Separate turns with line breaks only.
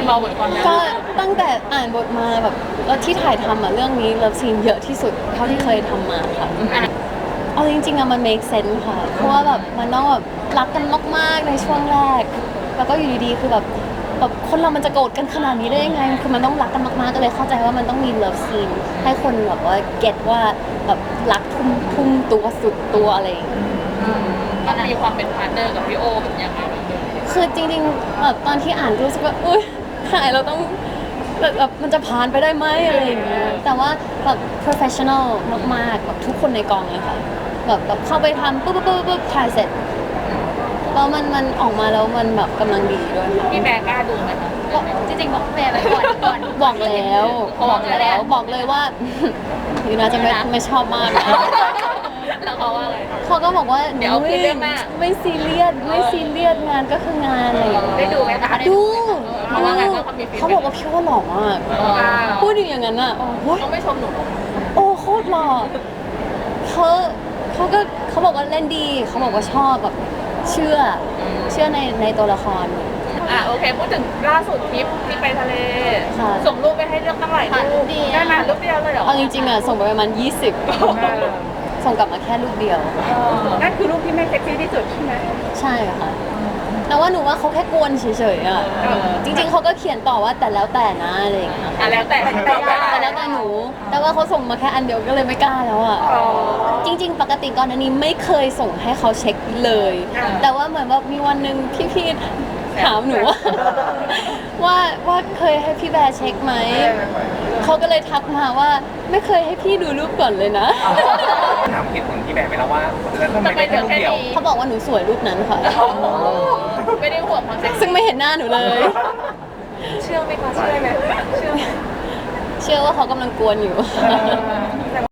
เราเหมือนกันนะ
ก็ตั้งแต่อ่านบทมาแบบแล้วที่ถ่ายทำเรื่องนี้เลิฟซีนเยอะที่สุดเท่าที่เคยทำมาค่ะเอาจริงๆมัน make sense ค่ะเพราะว่าแบบมันต้องแบบรักกันมากๆในช่วงแรกแล้วก็อยู่ดีๆคือแบบคนเรามันจะโกรธกันขนาดนี้ได้ยังไงคือมันต้องรักกันมากๆก็เลยเข้าใจว่ามันต้องมีเลิฟซีนให้คนแบบว่าเก็ตว่าแบบรักทุ่มตัวสุดตัวอะไรอย่างเงี้ย
มันมีความเป็นพาร์ทเนอร์กับพี่โอแบบยังไง
คือจริงๆแบบตอนที่อ่านรู้สึกว่าอุ้ยถ่ายเราต้องแบบมันจะผ่านไปได้ไหมอะไรอย่างเงี้ยแต่ว่าแบบ professional มากๆแบบทุกคนในกองเลยค่ะแบบเข้าไปทำปุ๊บถ่ายเสร็จแล้วมันออกมาแล้วมันแบบกำลังดีด้วยค่ะ
พี่แบร์กล้าดูไหมคะ
จริงๆบอกแม่ไปก่อน
บอกแล้วบอกเลยว่า อยู่นะจะไม่ชอบมากนะ
แล้วเขาว่าอะไร
เขาก็บอกว่า
เดี๋ยวคิดเรื่องหน้า
ไม่ซีเรียสงานก็คืองานอะไรอย่างเงี้ย
ได้ดูไหมคะ
ดู
เขาว่าไงบ้างเขามีฟีดแบ็ก
เขาบอกว่าพี่ว่าหล่อมากพูดอย่างนั้นอ่ะโอ้ย
เขาไม่ชมหนู
โอ้โคตรหล่อเขาบอกว่าเล่นดีเขาบอกว่าชอบแบบเชื่อในตัวละคร
โอเคพูดถึงล่าสุดทริปที่ไปทะเล
ค่ะ
ส่งรูปไปให้เลือกตั้งหลายรูปได้มารูปเดียวเลยเหรอ
เอาจริงๆอ่ะส่งไปประมาณ20ส่งกลับมาแค่รูปเดียว
นั่นคือรูปที่ไม่เซ็กซี่ที่สุดใช่ไหม
ใช่ค่ะแต่ว่าหนูว่าเขาแค่กวนเฉยๆอ่ะจริงๆเขาก็เขียนต่อว่าแต่แล้วแต่นะอะไรอย่างเงี้ย
แล้วแต่
แต่แล้วแต่หนู แต่ว่าเขาส่งมาแค่อันเดียวก็เลยไม่กล้าแล้วอ่ะ จริงๆ ปกติก่อนอันนี้ไม่เคยส่งให้เขาเช็คเลย แต่ว่าเหมือนแบบมีวันหนึ่งพี่ๆถามหนูว่าเคยให้พี่แบร์เช็คไหม เขาก็เลยทักมาว่าไม่เคยให้พี่ดูรูปก่อนเลยนะ
ถามเหตุผลที่แบบไปแล้วว่าแล้วทำไมได้แค่รูปเดียว
เขาบอกว่าหนูสวยรูปนั้นค่ะ
ไม่ได้ห่วงความเซ็กซี่
ซึ่งไม่เห็นหน้าหนูเลย
เชื่อไหมคะเชื่อไหมเชื่อ
เชื่อว่าเขากำลังกวนอยู่
แต่